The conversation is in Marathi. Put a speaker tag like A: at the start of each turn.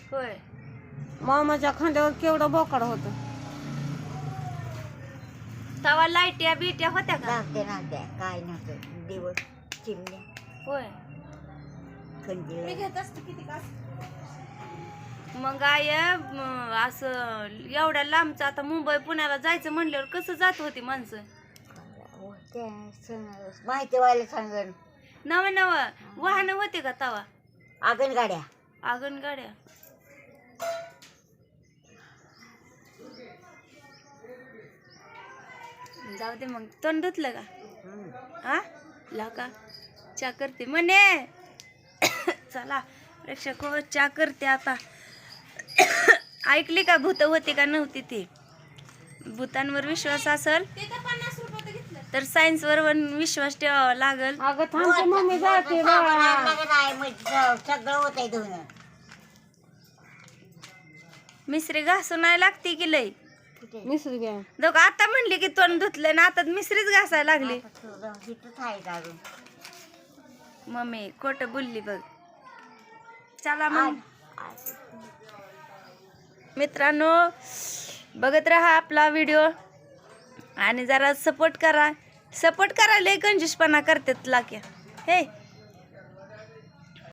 A: होय.
B: मामाच्या खांद्यावर केवढं बोकाड होतं.
A: तवा लाईट्या बिट्या होत्या का?
C: नव्हत्या काय नव्हतं. दिवस चिमण्या
A: होय.
C: कंदील
B: घेत असते किती का.
A: मग आय असं एवढ्या लांबचं आता मुंबई पुण्याला जायचं म्हणल्यावर कसं जात होती माणसं?
C: माहिती व्हायला सांगन.
A: नव नव वाहन होते का तवा?
C: आगन गाड्या
A: आगन गाड्या. जाऊ दे मग. तोंड धुतलं का? हा ला का चा करते म्हणे. चला प्रेक्षक हो, चा करते आता. ऐकली का भूत होती का नव्हती ती? भूतांवर विश्वास असेल तर सायन्स वर विश्वास ठेवावा लागल.
B: अगं थांबते मम्मी जाते
C: सगळं होत धुन. मिसरी
A: घासून नाही लागते की लय.
B: मिसरी घ्या.
A: दोघं आता म्हणली की तोंड धुतलं ना आता मिसरीच घासायला लागली. मम्मी खोट बोलली बघ. चला मग मित्रांनो, बघत राहा आपला व्हिडिओ आणि जरा सपोर्ट करा. सपोर्ट करायला कंजूसपणा करतात लाक्या हे.